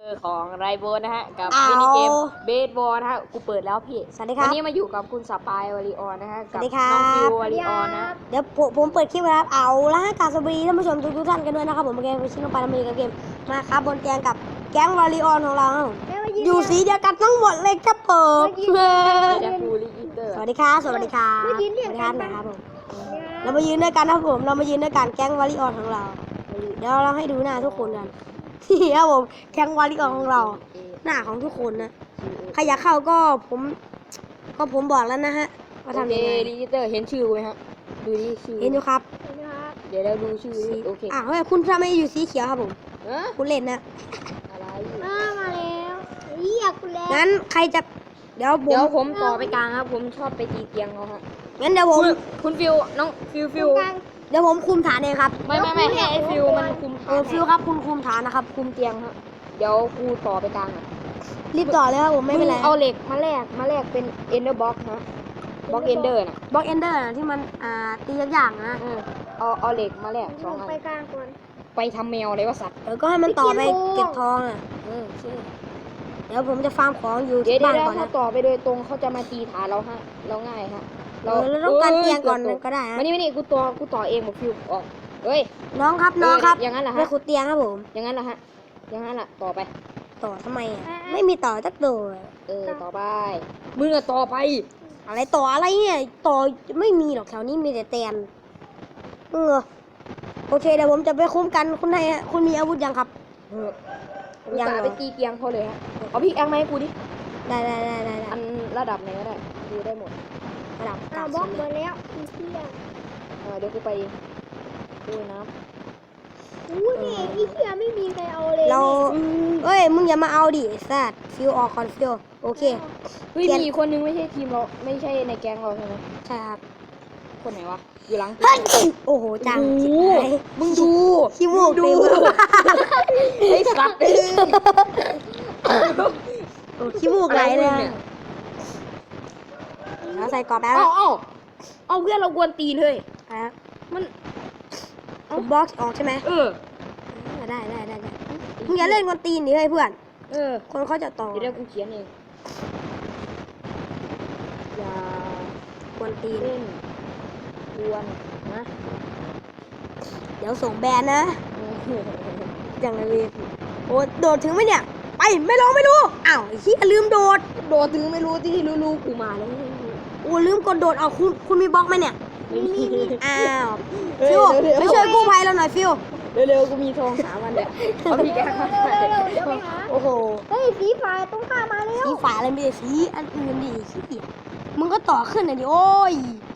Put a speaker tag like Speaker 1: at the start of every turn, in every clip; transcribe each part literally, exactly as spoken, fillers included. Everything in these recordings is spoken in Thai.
Speaker 1: ของไรโบนะฮะกับ
Speaker 2: เอา
Speaker 1: มินิเกมเบสบอลนะฮะกูเปิดแล้วพี่
Speaker 2: สวัสดีครับ
Speaker 1: วันนี้มาอยู่กับคุณสปายวาริออนนะฮะ
Speaker 2: ส
Speaker 1: กั
Speaker 2: วั
Speaker 1: บ
Speaker 2: สดีครับ
Speaker 1: น้องฟิววาริออนนะ
Speaker 2: เดี๋ยวผมผมเปิดคลิปไว้ครับเอาละกราบสวัสดีท่านผู้ชมทุกๆท่านกันด้วยนะครับผมเกมชิโนปารามีกับเกมมาครับบนเตียงกับแก๊งวาริออนของเราครับผมอยู่สีเดียวกันทั้งหมดเลยครับผม
Speaker 1: เดี๋ยวกูรีอินเตอร์
Speaker 2: สวัสดีครับสวัสดีครับสวัสดีครับนะครับผมเรามายืนด้วยกันนะครับผมเรามายืนด้วยกันแก๊งวาริออนของเราเดี๋ยวเราให้ดูหน้าทุกคนกันนี่ครับผมแก๊งวาริออนของเราหน้าของทุกคนนะใครอยากเข้าก็ผมก็ผมบอกแล้วนะฮะว่า
Speaker 1: โอ
Speaker 2: ทำ
Speaker 1: เค
Speaker 2: ยังไง
Speaker 1: รีอินเตอร์เห็นชื่อไหมฮะดูดิชื่อ
Speaker 2: เห็นอยู่ครับ
Speaker 1: เดี๋ยวเราดูชื่อดิโอเค
Speaker 2: อ่ะเฮ้ยคุณทำไมอยู่สีเขียวครับผม
Speaker 1: เอะ
Speaker 2: คุณเล่นนะ
Speaker 1: อะไร
Speaker 3: อ่ามาแล้วเรียกกูแล้ว
Speaker 2: งั้นใครจะเดี๋ยวผม
Speaker 1: เดี๋ยวผมต่อไปกลางครับผมชอบไปตีเตียงเขาฮะ
Speaker 2: งั้นเดี๋ยวผม
Speaker 1: คุณคุณฟิวน้องฟิวฟิว
Speaker 3: กลาง
Speaker 2: เดี๋ยวผมคุมฐานเองครับ
Speaker 1: ไม่ไม่ไม่ให้ไอฟิวมันคุม
Speaker 2: เออฟิวครับคุณคุมฐานนะครับ
Speaker 1: คุมเตียงฮะเดี๋ยวกูต่อไปกลางอ่ะ
Speaker 2: รีบต่อเลยครับผมไม่เป็นไร
Speaker 1: งเอาเหล็กมาแลกมาแลกเป็นเอนเดอร์บ็อกฮะบล็อกเอนเดอร์น่ะ
Speaker 2: บล็อกเอนเดอร์ที่มันอ่าตียากๆนะ
Speaker 1: เออเอาเอาเหล็กมาแลกสองอัน
Speaker 3: ไปกลางก่อน
Speaker 1: ไปทำแมวอะไรวะสัตว์
Speaker 2: เออก็ให้มันต่อไป
Speaker 3: ไปเก็บทอง
Speaker 2: เก็บทองอ่ะ
Speaker 1: เออใช่
Speaker 2: เดี๋ยวผมจะฟาร์มของอยู่
Speaker 1: เดี๋ยว
Speaker 2: ที่
Speaker 1: เดี๋ยว
Speaker 2: บ้าน
Speaker 1: เดี๋ยว
Speaker 2: ก่อน
Speaker 1: ถ้า
Speaker 2: นะ
Speaker 1: ต่อไปโดยตรงเขาจะมาตีฐานเราฮะเราง่ายฮะ
Speaker 2: เออเราต้องการเตียงก่อน
Speaker 1: กืบต
Speaker 2: ก็ได้ฮะ
Speaker 1: มานี่มานี่กูต่อกูต่อเองหมดฟิวออกเฮ้ย
Speaker 2: น้องครับน้องครับ
Speaker 1: เอย่างนั้นเหรอ
Speaker 2: ไป
Speaker 1: ฮะ
Speaker 2: ขุดเตียงครับผม
Speaker 1: อย่างนั้นเหรอฮะอย่างนั้นล่ะต่อไป
Speaker 2: ต่อทำไมอ่ะไม่มีต่อจักตัว
Speaker 1: เออต่อไปมึงอะต่อไป
Speaker 2: อะไรต่ออะไรเนี่ยต่อไม่มีหรอกแถวนี้มีแต่แตนเออโอเคเดี๋ยวผมจะไปคุ้มกันคุณให้ฮะคุณมีอาวุธยังครับ
Speaker 1: เออกู
Speaker 2: ยัง
Speaker 1: ตา
Speaker 2: เหรอ
Speaker 1: ไปตีเตียงเขาเลยฮะเอาพี่แองมาให้กูดิ
Speaker 2: ได้ได้ได้ได้ได้
Speaker 1: อันระดับไหนก็ได้ดูได้หมด
Speaker 2: ระดับ
Speaker 3: อ่า
Speaker 2: เก้า
Speaker 3: บล็อก
Speaker 2: สิบ
Speaker 3: หมดแล้วอีเที่ย
Speaker 1: เออเดี๋ยวกูไปดูน้
Speaker 3: อู้นี่อีเที่ยไม่มีใครเอาเลย
Speaker 2: เรา
Speaker 1: ำ
Speaker 2: เอ้ยมึงอย่ามาเอาดิไอ้สัตว์ฟิวออกคอนฟิวโอเค
Speaker 1: เฮ้ย
Speaker 2: เปลี่ยน
Speaker 1: มีคนนึงไม่ใช่ทีมเราไม่ใช่ในแก๊งเราใช่ไหม
Speaker 2: ใช่ครับ
Speaker 1: คนไหนวะอยู่หลัง
Speaker 2: เฮ้ยโอ้โหจัง
Speaker 1: โอ้โห
Speaker 2: ชิบหาย
Speaker 1: มึงดู
Speaker 2: ขี้มูก
Speaker 1: ดู
Speaker 2: เต็ม
Speaker 1: ไอ้สัตว์เอ้ย
Speaker 2: โอ้ขี้มูกไหลเลย
Speaker 1: อะไร
Speaker 2: อะ
Speaker 1: เนี่ย
Speaker 2: เราใส่กรอบแล้ว
Speaker 1: เอ้าเอ้าเอาเพื่อนเรากวนตีนเลย
Speaker 2: ครับ
Speaker 1: มัน
Speaker 2: ผมบล็อกออกใช่ไหม
Speaker 1: เออ
Speaker 2: ได้ได้ได้ได้มึงอย่าเล่นกวนตีนดิเฮ้ยเพื่อน
Speaker 1: เออ
Speaker 2: คนเขาจะต่อ
Speaker 1: เดี๋ยวเดี๋ยวกูเขียนเองอย่าก
Speaker 2: วนตีน
Speaker 1: เล่นกวนนะ
Speaker 2: เดี๋ยวส่งแบนนะอย่างไรเลยโอ้โดดถึงไหมเนี่ยไปไม่ลองไม่รู้อ้าวไอ้ขี้ยลืมโดด
Speaker 1: โดดถึงไม่รู้ที่รู้ๆกูมาแล้ว
Speaker 2: โอ้ลืมกดโดดเอาคุณคุณมีบล็อกไหมเนี่ย
Speaker 1: ไม่มี
Speaker 2: อ้าว
Speaker 1: เฮ้ย
Speaker 2: ฟิว
Speaker 1: เดี๋ยว
Speaker 2: ไป
Speaker 1: เดี๋ยว
Speaker 2: ช่วยกู้ภัยเราหน่อยฟิว
Speaker 1: เร็วๆกูมีทองสามวันเนี่ยเอาพี่แกมา
Speaker 3: เร็วๆเดี๋ยวไปหา
Speaker 2: โอ้โห
Speaker 3: เฮ้ยสีฟ้าต้องข้ามมาแล้ว
Speaker 2: สีฝาอะไรไม่ได้สีอันอื่นดิขี้มึงก็ต่อขึ้นหน่อยดิโอ้ย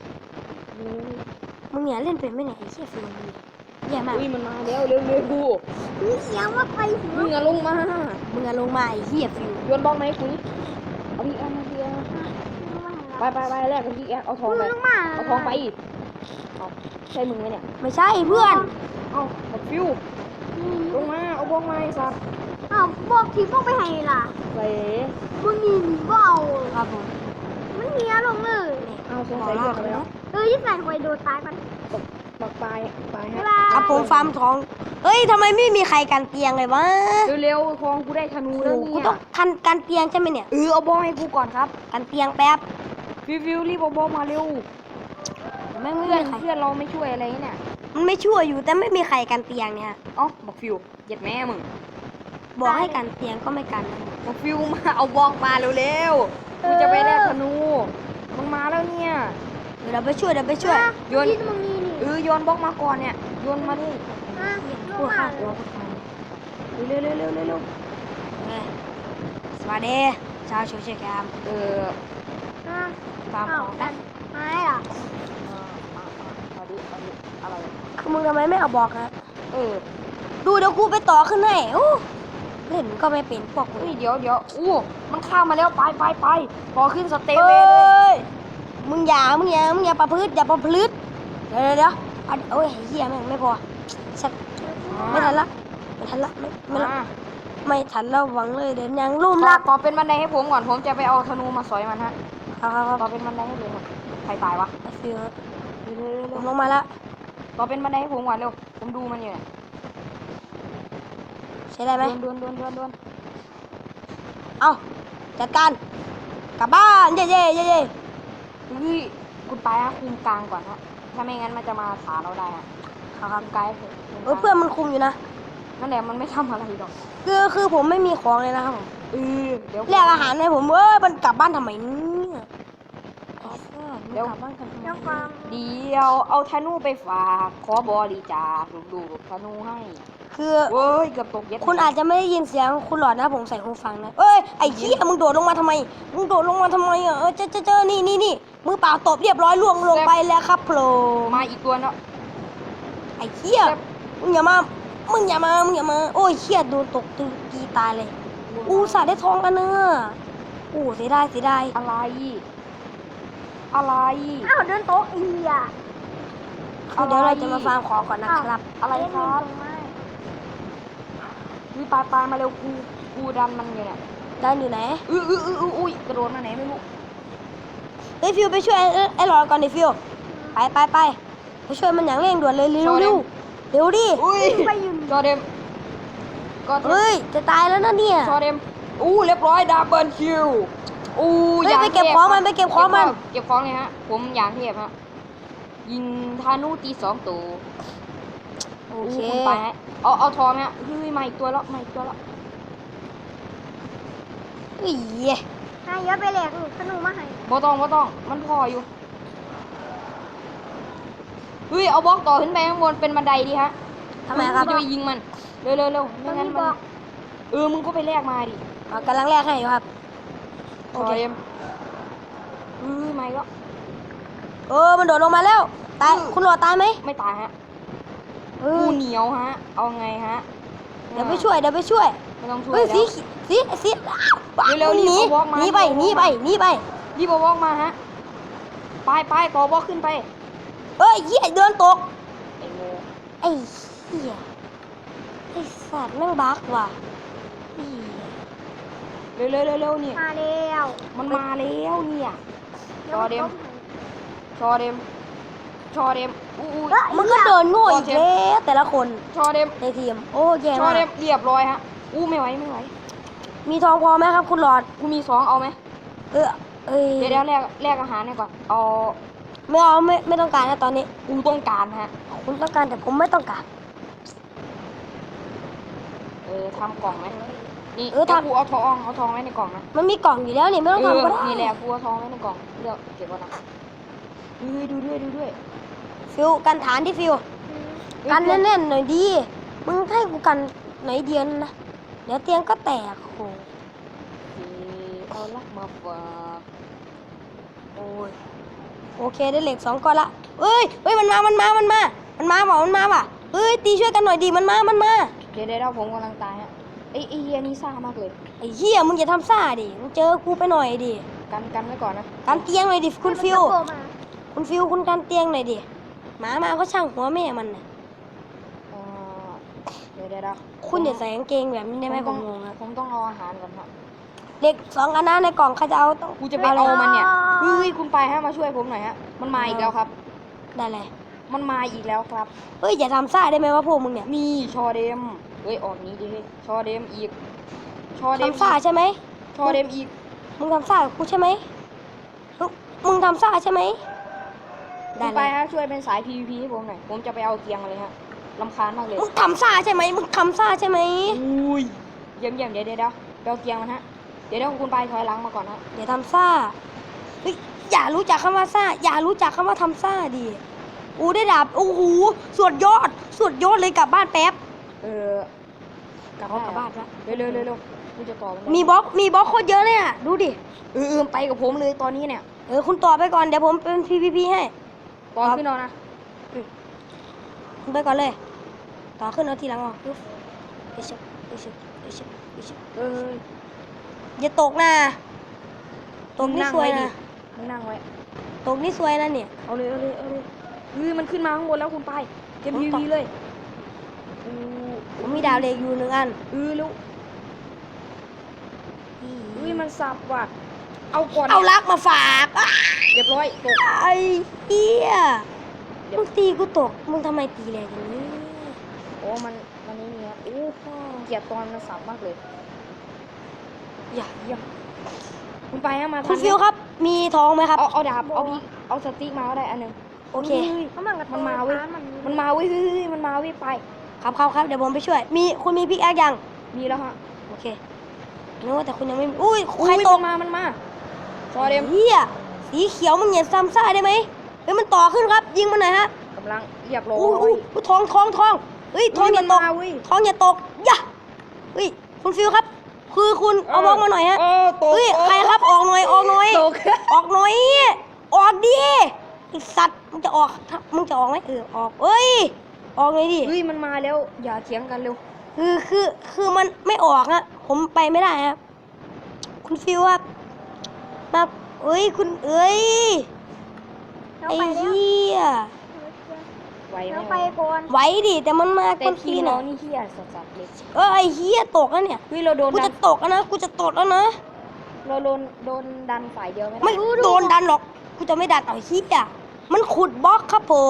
Speaker 2: มึงเนี่ยเล่นเป็นไหมเนี่ยไอ้เชี่ยฟิวมึงแย่มาก
Speaker 1: อุ้ยมันมาแล้วเร็วๆกู
Speaker 3: มีเสียงว่าไปหัว
Speaker 1: มึงอะลงมา
Speaker 2: มึงอะลงมาไอ้เหี้ยฟิว
Speaker 1: โยนบล็อกไหมาให้กูนี่เอาพี่แกมาพี่แกไปไปไปแรกกับพี่แกเอาทองไป
Speaker 3: ลงมา
Speaker 1: เอาทองไปอีกเอาใช่มึงไหมเนี่ย
Speaker 2: ไม่ใช่เพื่อน
Speaker 1: เอาบักฟิวลงมาเอาบล็อกมาไอ้สัตว์
Speaker 3: อ้าวบอกทีพวกไปให้ล่ะ
Speaker 1: ใส่
Speaker 3: มึงนี่หนีก็เอา
Speaker 2: ครับผม
Speaker 3: มันเนียลงเลย
Speaker 1: เอาสงสัยเลือกแล้ว
Speaker 3: เออที่ใส่หวยโดนตายมัน
Speaker 1: บักปลายปลายฮะ
Speaker 2: ครับผมฟาร์มทองเอ้ยทำไมไม่มีใครกันเตียงเลยวะ
Speaker 1: เร็วๆทองกูได้ธนู
Speaker 2: โอ้
Speaker 1: แล้ว
Speaker 2: โหกู
Speaker 1: เนี่ย
Speaker 2: ต้องกันกันเตียงใช่ไหมเนี่ย
Speaker 1: เออเอาบล็อกให้กูก่อนครับ
Speaker 2: กันเตียงแป๊บ
Speaker 1: ฟิวฟิวรีบเอาบล็อกมาเร็ว
Speaker 2: ไม่ไม่
Speaker 1: เพื่อน
Speaker 2: มีใคร
Speaker 1: เพื่อนเราไม่ช่วยอะไรเนี่ย
Speaker 2: มันไม่ชั่วอยู่แต่ไม่มีใครกันเตียงเนี่ย
Speaker 1: เอ้าบักฟิวเหยียดแม่มึง
Speaker 2: บอกให้กันเตียงก็ไม่กัน
Speaker 1: บักฟิวมาเอาบล็อกมาเร็วๆกูจะไปแลกธนูมึงมาแล้วเนี่ย
Speaker 2: เดี๋ยวเราไปช่วยเดี๋ยวไปช่วย
Speaker 1: โยน
Speaker 3: ที่มึงนี่นี่
Speaker 1: เออโยนบล็อกมาก่อนเนี่ยโยนมาดิ
Speaker 3: อ่ะล
Speaker 2: พู
Speaker 3: ง
Speaker 2: ด
Speaker 3: มา
Speaker 2: ข้าวหัวพูดข้าว
Speaker 1: เร็วเร็วเร็วเร็วเร็ว
Speaker 2: เอ้ยสวัสดีชาวโซเชียลแคม
Speaker 1: เออ
Speaker 3: อ่ะ
Speaker 2: ฟาร์มของ
Speaker 3: อ้าวหายเหรอ
Speaker 1: เออเอาเอาเอาดิเอาดิอะไร
Speaker 2: คือมึงทำไมไม่เอาบอกนะ
Speaker 1: เออ
Speaker 2: ดูเดี๋ยวกูไปต่อขึ้นให้โอ้เล่นก็ไม่เป็นพวกมึ
Speaker 1: เฮ้
Speaker 2: ง
Speaker 1: ยเดี๋ยวเดี๋ยวอู้มันข้ามมาแล้วไปไปไปพอขึ้นสเต
Speaker 2: เอ
Speaker 1: เวย์เลย้
Speaker 2: ยมึงอย่ามึงอย่ามึงอย่าประพฤติอย่าประพฤติเดี๋ยวเดี๋ยวเดี๋ยวเอาโอ้ยเฮียแม่งไม่พอชัดไม่ทันละไม่ทันละไม่ไม่ละ
Speaker 1: มา
Speaker 2: ไม่ทันแล้วหวังเลยเดี๋ยวยังลุ่ม
Speaker 1: ต่อ
Speaker 2: ลัก
Speaker 1: ต่อเป็นบันไดให้ผมก่อนผมจะไปเอาธนูมาสอยมันฮะ
Speaker 2: ครับครับค
Speaker 1: ต่
Speaker 2: รั
Speaker 1: อบ เป็นบันไดให้ผมก่อนใครตายวะ
Speaker 2: ฟิว
Speaker 1: เร็วเร็ว
Speaker 2: ผ
Speaker 1: เร็ว
Speaker 2: มลงมาแล้ว
Speaker 1: ต่อเป็นบันไดให้ผมก่อนเร็วผมดูมันอยู่เนี่ย
Speaker 2: ใช้ได้ไหม
Speaker 1: ดวนดวนดวนดวน
Speaker 2: เอาจัดการกลับบ้านเย่เย่เย่เย่
Speaker 1: เฮ้ยคุณไปฮะคุมกลางก่อนฮะถ้าไม่งั้นมันจะมาหาเราได้ฮะ
Speaker 2: ครับครับ
Speaker 1: คุมกลางให้ผม
Speaker 2: เออเพื่อนมันคุมอยู่นะ
Speaker 1: นั่นแหละมันไม่ทำอะไรหรอก
Speaker 2: คือคือผมไม่มีของเลยนะครับผม
Speaker 1: เออเดี๋ยว
Speaker 2: แลกอาหารให้ผมเอ้ยมันกลับบ้านทำไมเนี่ยไอ้สัสมันกลับบ้านทำไม
Speaker 3: เจ้าฟัง
Speaker 1: เดี๋ยวเอาธนูไปฝากขอบริจาคดูๆธนูให้
Speaker 2: คือ
Speaker 1: เว้ยเกือบตกเย็ด
Speaker 2: คุณอาจจะไม่ได้ยินเสียงคุณหลอดนะผมใส่หูฟังนะเอ้ยไอ้เหี้ยมึงโดดลงมาทำไมมึงโดดลงมาทำไมอ่ะเออเจอเจอเจอนี่นี่นี่มือเปล่าตบเรียบร้อยล่วงลงไปแล้วครับโผล่
Speaker 1: มาอีกตัวเนาะ
Speaker 2: ไอ้เหี้ยมึงอย่ามามึงอย่ามามึงอย่ามาโอ้ยเหี้ยโดนตกตีตีตายเลยอูสาดได้ทองกันเนอะอู้เสียดายเสียดาย
Speaker 1: อะไร อะไร
Speaker 3: อ้าวเดินโต๊ะอีอ่ะ
Speaker 2: คือเดี๋ยวเราจะมาฟาร์มของก่อนนะครับ
Speaker 1: อะไรครับ วิปลาปลามาเร็วกูกูดันมันอยู่เนี่ย
Speaker 2: ได้อยู่ไหน
Speaker 1: อื้ออื้ออื้ออื้ออุ้ยกระโดดมาไหนไม่รู้
Speaker 2: เฮ้ยฟิวไปช่วยไอ้ไอ้หลอดก่อนดิฟิวไปไปไปไปช่วยมันอย่างเร่งด่วนเลยเร็วเร็วเร็วดิ
Speaker 1: อุ้ย
Speaker 3: ไปยืน
Speaker 1: จอเดมก็เดม
Speaker 2: เฮ้ยจะตายแล้วนะเนี่ย
Speaker 1: จอเดมอู้เรียบร้อยดับเบิลคิวอู้
Speaker 2: เฮ้ย
Speaker 1: ย่าง
Speaker 2: ไปเก็บ
Speaker 1: ทพ
Speaker 2: ของมันไปเก็บของมัน
Speaker 1: เก็บของเลยฮะ ผมอย่างเทพฮะยิงธานุตีสองตัว
Speaker 2: โอ
Speaker 1: อู้
Speaker 2: เค
Speaker 1: คุณไปฮะเอาเอาทองฮะเฮ้ยมาอีกตัวแล้วมาอีกตัวแล้ว
Speaker 2: อี๋
Speaker 3: นายย้อนไปแหลกขนมมาให้
Speaker 1: บ่ต้องบ่ต้องมันพออยู่เฮ้ยเอาบล็อกต่อขึ้นไปข้างบนเป็นบันไดดีฮะ
Speaker 2: ทำไมครับ
Speaker 1: กูจะไปยิงมันเร็วเร็วเร็วไม่งั้นมันเออมึงก็ไปแลกมาดิ
Speaker 2: อ่ะกำลังแลกให้อยู่ครับ
Speaker 1: โอเคเฮ้ยไม่ก็
Speaker 2: เออมันโดดลงมาแล้ว ตาย คุณหลอดตายไหม
Speaker 1: ไม่ตายฮะ
Speaker 2: เอ
Speaker 1: กู
Speaker 2: อ
Speaker 1: เหนียวฮะ เอาไงฮะ
Speaker 2: เดี๋ยวไปช่วยเดี๋ยวไปช่วย
Speaker 1: ไม่ต้องช่วย
Speaker 2: เฮ้ย
Speaker 1: แล้
Speaker 2: สี
Speaker 1: ว
Speaker 2: สีสีอ้าว
Speaker 1: เร็วๆ
Speaker 2: หนี
Speaker 1: รีบเอาบล็อกมา
Speaker 2: หนีไปหนีไปหนีไป
Speaker 1: รีบเอาบล็อกมาฮะไปไปต่อบล็อกขึ้นไป
Speaker 2: เอ้ยเหี้ยเดินตก
Speaker 1: ไอ้โง่
Speaker 2: ไอ้เหี้ยไอ้สัตว์แม่งบักว่ะอี๋
Speaker 1: เร็วเร็วเร็วเร็วนี่
Speaker 3: มาแล้ว
Speaker 1: มันมาแล้วเนี่ย ชอเดม ชอเดม ชอเดมอู้อู้
Speaker 2: มันก็เดินโง่อีกแล้วแต่ละคน
Speaker 1: ชอเดม
Speaker 2: ในทีมโอ้แย่
Speaker 1: ชอ
Speaker 2: มาก
Speaker 1: เดมเรียบร้อยฮะ อู้ไม่ไหวไม่ไหว
Speaker 2: มีทองพอไหมครับ คุณหลอด
Speaker 1: กูมีสองเอาไหม
Speaker 2: เออเอ้ย
Speaker 1: เดี๋ยวเดี๋ยวแลกแลกอาหารให้ก่อน เอา
Speaker 2: ไม่เอาไม่ไม่ต้องการนะตอนนี้
Speaker 1: กูต้องการฮะ
Speaker 2: คุณต้องการแต่ผมไม่ต้องการ
Speaker 1: เออทำกล่องไหมนี่
Speaker 2: เออทำ
Speaker 1: ดี๋ยวกูเอาทองเอาทองไว้ในกล่องนะ
Speaker 2: มันมีกล่องอยู่แล้วนี่ไม่ต้อง
Speaker 1: เออ
Speaker 2: ทำก็ได้
Speaker 1: นี่แหละกูเอาทองไว้ในกล่องเลือกเก็บก่อนนะดูด้วยดูด้วยดูด้วย
Speaker 2: ฟิวกันฐานที่ฟิว กันแน่นๆหน่อยดีมึงให้กูกันไหนเดียนนะเดี๋ยวเตียงก็แตกโห
Speaker 1: เออเอาลักมาฝาก
Speaker 2: โอ้ยโอเคได้เหล็กสองก้อนละเอ้ยเฮ้ยมันมามันมามันมามันมาว่ะมันมาว่ะเอ้ยตีช่วยกันหน่อยดีมันมามันมา
Speaker 1: เดี๋ยวเดี๋ยวผมกำลังตายฮะไอ้ไอ้เฮียนี่ซ่ามากเลย
Speaker 2: ไอ้เหี้ยมึงอย่าทำซ่าดิมึงเจอกูไปหน่อยดิ
Speaker 1: กันกันไว้ก่อนนะ
Speaker 2: กันเตียงหน่อยดิคุณฟิว
Speaker 3: โผล่มา
Speaker 2: คุณฟิวคุณกันเตียงหน่อยดิหมามาก็ช่างหัวแม่มันน่ะ
Speaker 1: เออเดี๋ยวเดี๋ยวเดี๋ยว
Speaker 2: คุณอย่าใส่กางเกงแบบนี้ได้ไหมผมงงนะ
Speaker 1: ผมต้องเอาอาหารก่อนฮะ
Speaker 2: เด็กสองอันนั้นในกล่องใครจะเอาต้อง
Speaker 1: กูจะไปเอามันเนี่ยเฮ้ยคุณไปฮะมาช่วยผมหน่อยฮะมันมาอีกแล้วครับ
Speaker 2: ได้เลย
Speaker 1: มันมาอีกแล้วครับ
Speaker 2: เฮ้ยอย่าทำซ่าได้ไหมว่าพวกมึงเนี่ย
Speaker 1: นี่ชอเดมเฮ้ยออกนี้ดิเฮ้ยชอเดมอีกชอเดม
Speaker 2: ทำซ่าใช่ไหม
Speaker 1: ชอเดมอีก
Speaker 2: มึงทำซ่ากับกูใช่ไหมมึงมึงทำซ่าใช่ไหม
Speaker 1: คุ
Speaker 2: ได้
Speaker 1: ณ
Speaker 2: เล
Speaker 1: ไป
Speaker 2: ย
Speaker 1: ฮะช่วยเป็นสาย พี วี พี ให้ผมหน่อยผมจะไปเอาเตียงเลยฮะรำคาญมากเลย
Speaker 2: มึงทำซ่าใช่ไหมมึงทำซ่าใช่ไหม
Speaker 1: อุ้ยเยี่ยมเยี่ยมเดี๋ยวเดี๋ยวเดี๋ยวไปเอาเตียงมันฮะเดี๋ยวเดี๋ยวคุณไปถอยหลังมาก่อนฮะ
Speaker 2: อย่าทำซ่าเฮ้ยอย่ารู้จักคำว่าซ่า อย่ารู้จักคำว่าทำซ่าดิอูได้ดาบโอ้โหสุดยอดสุดยอดเลยกลับบ้านแป๊บ
Speaker 1: เออกลับ
Speaker 2: เอากลับบ้านละ
Speaker 1: เร็วเร็วเร็วเร็วกูจะต่อมันได้
Speaker 2: มีบล็อกมีบล็อกโคตรเยอะเลยอ่ะดูดิ
Speaker 1: เออเออไปกับผมเลยตอนนี้เนี่ย
Speaker 2: เออคุณต่อไปก่อนเดี๋ยวผมเป็น พี พี พี ให้
Speaker 1: ตอนขึ้นเอานะ
Speaker 2: คุณไปก่อนเลย ต่อขึ้นเอาทีหลังออกปึ๊บเอชเอชเอชเอช
Speaker 1: เออ
Speaker 2: อย่าตกนะตกนี่สวยนะ
Speaker 1: มึงนั่งไว้
Speaker 2: ตกนี่สวยนะเนี่ย
Speaker 1: เอาเลยเอาเลยเอาเลยเฮ้ยมันขึ้นมาข้างบนแล้วคุณไปเก็บ
Speaker 2: ผม
Speaker 1: พี
Speaker 2: ต่อ
Speaker 1: วีเลยอู้
Speaker 2: ผมมีดาวเหล็กอยู่หนึ่งอัน
Speaker 1: เออแล้วเฮ้ยมันสับว่ะเอาก่อน
Speaker 2: เอาลักมาฝากอ้า
Speaker 1: เรียบร้อยตก
Speaker 2: ไอ้เหี้ยมึงตีกูตก มึงทำไมตีแรงอย่างนี้
Speaker 1: โอ้มันมันนี่เนี่ยโอ้เกลียดตอนมันสับมากเลยอย่าเยี่ยมคุณไปฮะมา
Speaker 2: คุณฟิวครับ มีทองไหมครับ
Speaker 1: เอาเอาดาบเอาพี่เอาสติ๊กมาก็ได้อันหนึง
Speaker 2: โอเค
Speaker 1: ฮ้ย
Speaker 3: เขามันกับ
Speaker 1: มันมาเว้ย
Speaker 3: มัน
Speaker 1: มันมาเว้ยเฮ้ยเฮ้ยมันมาเว้ยไป
Speaker 2: ครับครับครับเดี๋ยวผมไปช่วย มีคุณมีพิกแอคยัง
Speaker 1: มีแล้วฮะ
Speaker 2: โอเคนึกว่าแต่คุณยังไม่มีอุ้ย
Speaker 1: อุ้ย
Speaker 2: ใครตก
Speaker 1: มันมามันมาซอเดม
Speaker 2: เฮียสีเขียวมันเหยียดซ้ำซ่าได้ไหมเฮ้ยมันต่อขึ้นครับ ยิงมันหน่อยฮะ
Speaker 1: กำลังเรียบร้อย
Speaker 2: อุ้ยอุ้ยอุ้ยทองทองทองเฮ้ยทองอย่าตก
Speaker 1: มันมาเว้ย
Speaker 2: ทองอย่าตกย่าเฮ้ยคุณฟิวครับ คือคุณเอาบล็อกมาหน่อยฮะ
Speaker 1: เออตก
Speaker 2: เฮ้ยใครครับออกหน่อยออกหน่อย
Speaker 1: ตก
Speaker 2: ออกหน่อยออกดิไอสัตว์มึงจะออกมึงจะออกไหมเออออกเอ้ยออกหน่อยดิ
Speaker 1: เฮ้ยมันมาแล้วอย่าเถียงกันเร็ว
Speaker 2: คือคือคือมันไม่ออกอะผมไปไม่ได้ครับคุณฟิวครับมาเอ้ยคุณเอ้ย
Speaker 3: เรา
Speaker 2: ไอ้
Speaker 3: ไปแล้ว
Speaker 2: เหี้ย
Speaker 1: ไหวไหม
Speaker 3: เราไปก่อน
Speaker 2: ไหวดิแต่มันมา
Speaker 1: แต่
Speaker 2: คน
Speaker 1: ที
Speaker 2: ที
Speaker 1: ม
Speaker 2: น
Speaker 1: เรา
Speaker 2: อะ
Speaker 1: นี่เฮียสัสๆเลย
Speaker 2: เออไอ้เหี้ยตกแล้วเนี่ย
Speaker 1: เฮ้ยเราโดน
Speaker 2: กู
Speaker 1: ดั
Speaker 2: จะ
Speaker 1: น
Speaker 2: ตกแล้วนะกูจะตกแล้วนะ
Speaker 1: เราโดนโดนดันฝ่ายเดียวไม่ได้
Speaker 2: ไม่โดนดันหรอกกูจะไม่ดันเอาไอ้เหี้ยมันขุดบล็อกครับผม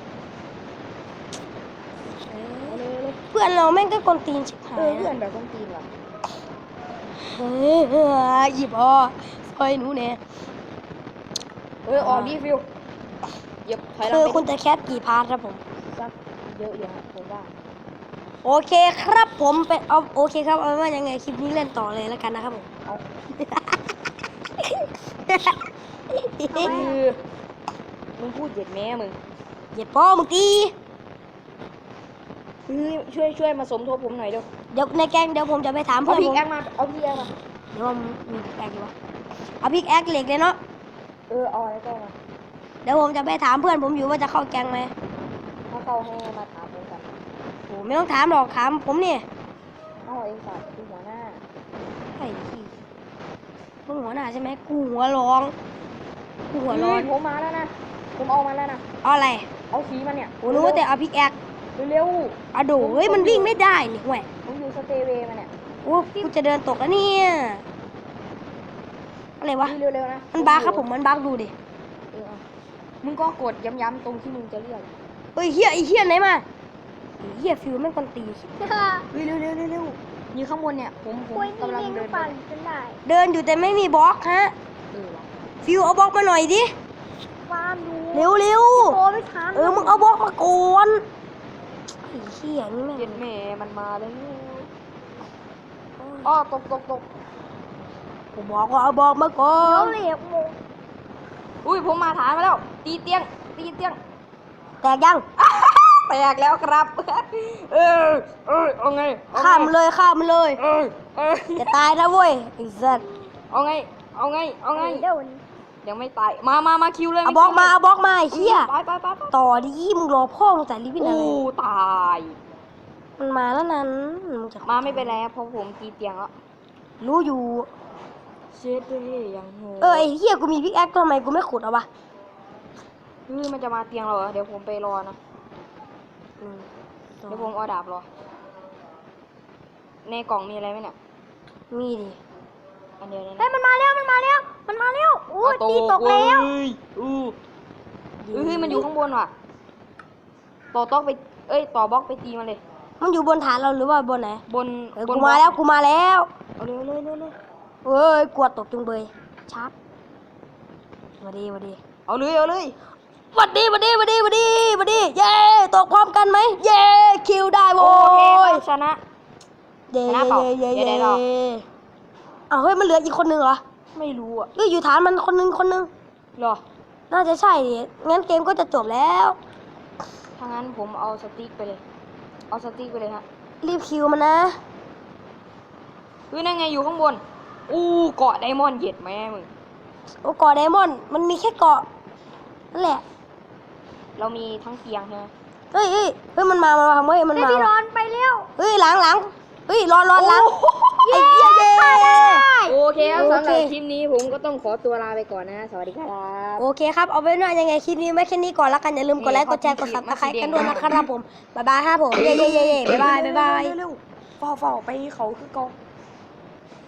Speaker 1: เอาเลยเอาเลย
Speaker 2: เพื่อนเราแม่งก็กวนตีนชิบหา
Speaker 1: เอย อเพื่อนแบบต้องตีนว่ะ
Speaker 2: เฮ้ยหยิบอ่อซอยหนูเนี่ย
Speaker 1: เออออกดีฟิวเหยียบถอยหลัง
Speaker 2: คือ
Speaker 1: ไป
Speaker 2: คุณจะแคสกี่พาร์ทครับผม
Speaker 1: สักเยอะอยู่ฮะผมว่า
Speaker 2: โอเคครับผมเป็นเอาโอเคครับเอาเป็นว่ายังไงคลิปนี้เล่นต่อเลยแล้วกันนะครับผม
Speaker 1: เอา
Speaker 2: เ
Speaker 1: คือมึงพูดเหยียดแม่มึง
Speaker 2: หยิบพ่อมึงตี
Speaker 1: เฮ้ยช่วยช่วยมาสมทบผมหน่อยเร็ว
Speaker 2: เดี๋ยวในแกงเดี๋ยวผมจะไปถาม
Speaker 1: เอา
Speaker 2: เพื่อน
Speaker 1: พิ
Speaker 2: ผ
Speaker 1: ก
Speaker 2: ม
Speaker 1: แอคมาเอาพิกแอคมา
Speaker 2: เดี๋ยวผมมีพิกแอคอยู่วะเอาพิกแอคเหล็กเลยเนาะ
Speaker 1: เออเอาอะไรก็มา
Speaker 2: เดี๋ยวผมจะไปถามเพื่อนผมอยู่ว่าจะเข้าแกงไหม
Speaker 1: ถ้าเขาให้มาถามผมกัน
Speaker 2: โอ้ไม่ต้องถามหรอกถามผมนี่
Speaker 1: เอาเองสัตว์คือหัวหน้า
Speaker 2: ไอ้ขี้มึงหัวหน้าใช่ไหมกูหัวร้องกูหัวร้อน
Speaker 1: เฮ้ยผมมาแล้วนะผมเอามาแล้วนะ
Speaker 2: เอาอะไร
Speaker 1: เอาขีมันเนี่ย
Speaker 2: โอ้รู้ว่าแต่เอาพิกแอค
Speaker 1: เร็ว
Speaker 2: อะโดเฮ้ยมันวิ่งไม่ได้นี่แหวะ
Speaker 1: ๆผมอยู่สเตย์เวย์มาเนี่ย
Speaker 2: โอ้กูจะเดินตกแล้วเนี่ยอะไรวะ
Speaker 1: เร็วๆนะ
Speaker 2: มันบักครับผมมันบักดูดิ
Speaker 1: เออเอามึงก็กดย้ำๆตรงที่มึงจะเรียก
Speaker 2: เฮ้ยเฮียไอ้เฮียไหนมาไอ้เฮียฟิวแม่งคนตี
Speaker 1: เฮ้ยเร็วเร็วเร็วเร็วอยู่ข้างบนเนี่ยผมผม
Speaker 3: คุยนี่
Speaker 1: กำลัง
Speaker 3: เอง
Speaker 1: เดินไป
Speaker 3: ปั่นจนได้
Speaker 2: เดินอยู่แต่ไม่มีบล็อกฮะ
Speaker 1: เออว่ะ
Speaker 2: ฟิวเอาบล็อกมาหน่อยดิ
Speaker 3: ฟาร์มดู
Speaker 2: เร็วเร็ว
Speaker 3: โตไม่ทัน
Speaker 2: เออมึงเอาบล็อกมาก่อนไอ้เฮียนี่แม่ง
Speaker 1: เย็นแม่มันมาแล้วอ้อตกตกตก
Speaker 2: ผมบอกว่าเอาบล็อกมาก่อ
Speaker 3: เดี๋ยวน เหล็กโม
Speaker 1: อุ้ยผมมาฐานมาแล้ว ตีเตียงตีเตียง
Speaker 2: แตกยัง
Speaker 1: แตกแล้วครับ เออเออเอาไงเอไง
Speaker 2: ข้ามมันเลยข้ามมันเลย
Speaker 1: เออเออ
Speaker 2: จะตายนะเว้ยไอ้สัส
Speaker 1: เอาไงเอาไงเอาไง
Speaker 3: เดี๋ยว
Speaker 1: ยังไม่ตายมามามาคิวเลย
Speaker 2: เอาบล็อกมาเอาบล็อกมาไอ้เฮีย
Speaker 1: ไปไปไปไป
Speaker 2: ต่อดิมึงรอพ่อมึงแต่ลิฟต์อะไร
Speaker 1: อู้ตาย
Speaker 2: มันมาแล้วนั้นมึงจะ
Speaker 1: มาไม่เป็นไรครับเพราะผมตีเตียงแล้ว
Speaker 2: รู้อยู่
Speaker 1: เช็ดเลยยังโห
Speaker 2: เออไอ้เฮียกูมีพิกแอคทำไมกูไม่ขุดเอาวะ
Speaker 1: เฮ้ยมันจะมาเตียงเราเหรอเดี๋ยวผมไปรอนะเดี๋ยวผมเอาดาบรอในกล่องมีอะไรไหมเนี่ย
Speaker 2: มีดิ
Speaker 1: อันเดียวเลย
Speaker 3: เฮ้ย
Speaker 1: นะ
Speaker 3: มันมาแล้วมันมาแล้วมันมาแล้วโอ้ย
Speaker 1: เอา
Speaker 3: ตีตกแล้ว
Speaker 1: เอ้ยอู้เฮ้ยมันอยู่ข้างบนว่ะต่อต๊อกไปเอ้ยต่อบล็อกไปตีมันเลย
Speaker 2: มันอยู่บนฐานเราหรือว่าบนไหน
Speaker 1: บน
Speaker 2: เออบ
Speaker 1: น
Speaker 2: กูมาแล้วกูมาแล้ว
Speaker 1: เอาเร็วเร็วเร็วเร็ว
Speaker 2: เอ้ยกลัวตกจุงเบยชาร์จมาดีมาดี
Speaker 1: เอาเลยเอาเลย
Speaker 2: หวัดดีหวัดดีหวัดดีหวัดดีหวัดดีเย้ตกพร้อมกันไหมเย้คิวได้โว้
Speaker 1: โอเค
Speaker 2: ย
Speaker 1: ครับชนะ
Speaker 2: เย้
Speaker 1: ชนะเปล่า
Speaker 2: เย้
Speaker 1: เย้
Speaker 2: เย้
Speaker 1: ได้หรอ
Speaker 2: อ้าวเฮ้ยมันเหลืออีกคนนึงเหรอ
Speaker 1: ไม่รู้อ่ะ
Speaker 2: เอ้ยอยู่ฐานมันคนนึงคนนึง
Speaker 1: เหรอ
Speaker 2: น่าจะใช่ดิงั้นเกมก็จะจบแล้ว
Speaker 1: ถ้างั้นผมเอาสติ๊กไปเลย เอาสติ๊กไปเลยฮะ
Speaker 2: รีบคิวมันนะ
Speaker 1: เฮ้ยนั่นไงอยู่ข้างบนอู้เกาะไดมอนด์เหย็ดแม่มึง
Speaker 2: โอ้เกาะไดมอนด์มันมีแค่เกาะนั่นแหละ
Speaker 1: เรามีทั้งเตียงใช่ไหม
Speaker 2: เฮ้ยเฮ้ยเฮ้ยมันมามันมาเฮ้ยมัน
Speaker 3: เฮ้ย
Speaker 2: มา
Speaker 3: พี่รอนไปเร็ว
Speaker 2: เฮ้ยหลังหลังเฮ้ยรอนรอนหลังไอ้เหี้ยเย้
Speaker 1: โอเคครับ
Speaker 2: โอ
Speaker 1: สำห
Speaker 2: เค
Speaker 1: รับคลิปนี้ผมก็ต้องขอตัวลาไปก่อนนะ สวัสดีครับ
Speaker 2: โอเคครับ เอาไว้หน่อยยังไงคลิปนี้ไม่แค่นี้ก่อนละกัน อย่าลืมกดไลค์
Speaker 1: นี่
Speaker 2: กดแชร์ กด
Speaker 1: ข
Speaker 2: ซั
Speaker 1: อ
Speaker 2: บบ สไครต์
Speaker 1: สี
Speaker 2: กัน
Speaker 1: แง
Speaker 2: ด้วยนะครับผม บ๊ายบายครับผม เย้เย้เย้เย้บ๊ายบาย บ๊ายบาย
Speaker 1: เร็วๆเร็วๆเฝ้าๆไปเขาคือเกา